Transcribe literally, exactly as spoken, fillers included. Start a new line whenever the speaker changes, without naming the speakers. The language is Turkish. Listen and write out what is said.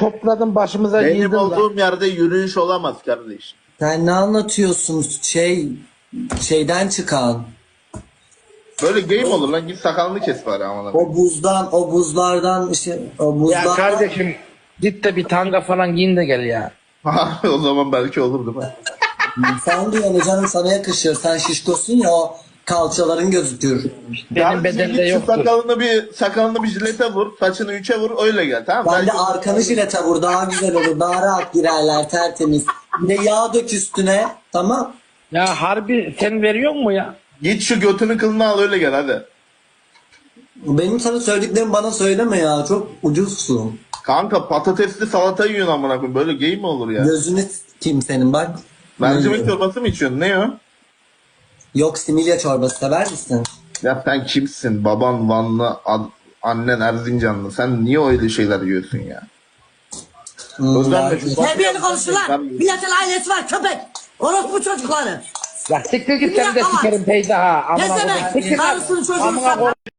topladın başımıza
Benim
giydin lan.
olduğum yerde yürüyüş olamaz kardeş.
Sen ne anlatıyorsun? Şey şeyden çıkan.
Böyle game olur lan, git sakalını kes bari aman.
O buzdan, o buzlardan işte o
Ya
buzlardan.
kardeşim git de bir tanga falan giyin de gel ya.
O zaman belki olur değil mi?
Sen diyorsun canım, sana yakışır. Sen şişkosun ya, o kalçaların gözükür.
Benim
Kardeşim
bedende
git şu
yoktur.
sakalını bir sakalını bir jilete vur, saçını üçe vur, öyle gel, tamam mı?
Ben de arkanı jilete vur, daha güzel olur. Daha rahat girerler, tertemiz. Bir de yağ dök üstüne, tamam.
Ya harbi sen veriyor mu ya?
Git şu götünün kılını al, öyle gel hadi.
Benim sana söylediklerimi bana söyleme ya. Çok ucuzsun.
Kanka patatesli salata yiyorsun amına koyayım. Böyle game mi olur ya?
Gözünü kim senin bak.
Mercimek çorbası mı içiyorsun? Ne o?
Yok, similya çorbası sever misin?
Ya sen kimsin? Baban Vanlı, ad- annen Erzincanlı. Sen niye öyle şeyler yiyorsun ya?
Hmm,
Özellikle
belki.
şu-
Terbiyeli konuşulan milletin ailesi var köpek. Orospu çocukları.
Ya siktir git
Bir
sen de
dakika var.
sikerim teyze ha. Amına
Ne
koyayım.
demek?
Siktir lan.
Karısının çocuğunu
Amına
satma.
koyayım.